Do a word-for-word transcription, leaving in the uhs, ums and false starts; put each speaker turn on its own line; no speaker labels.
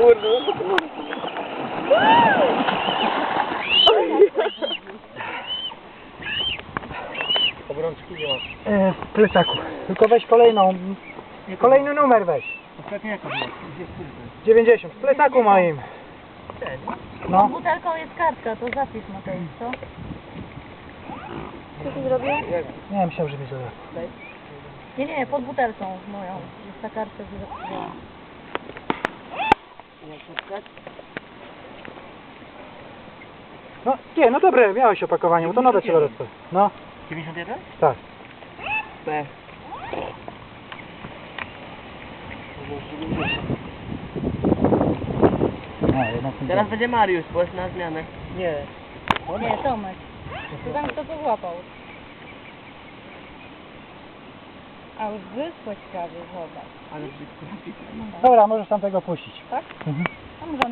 kurde, no to może. Obrączki nie masz.
E, w plecaku. Tylko weź kolejną. Kolejny numer weź.
Ostatnio jaka była?
dziewięćdziesiąt. W plecaku moim.
Pod
No.
butelką jest kartka, to zapisz Mateusz, co? Co ty zrobił?
Nie, myślałem, że mi zadał.
Nie, nie, pod butelką moją. Jest ta kartka, że zapisałam.
No, nie, no dobre, miałeś opakowanie, bo to nowe celorectwo. No,
dziewięćdziesiąt jeden?
tak.
B.
A, jednak nie
Teraz będzie Mariusz, bo jest na zmianę. Nie.
Nie, Tomek. To tam kto to złapał. A już wysłać prawie, zobacz.
Ale brzydko.
Dobra, możesz tam tego puścić.
Tak?
Mhm.
A może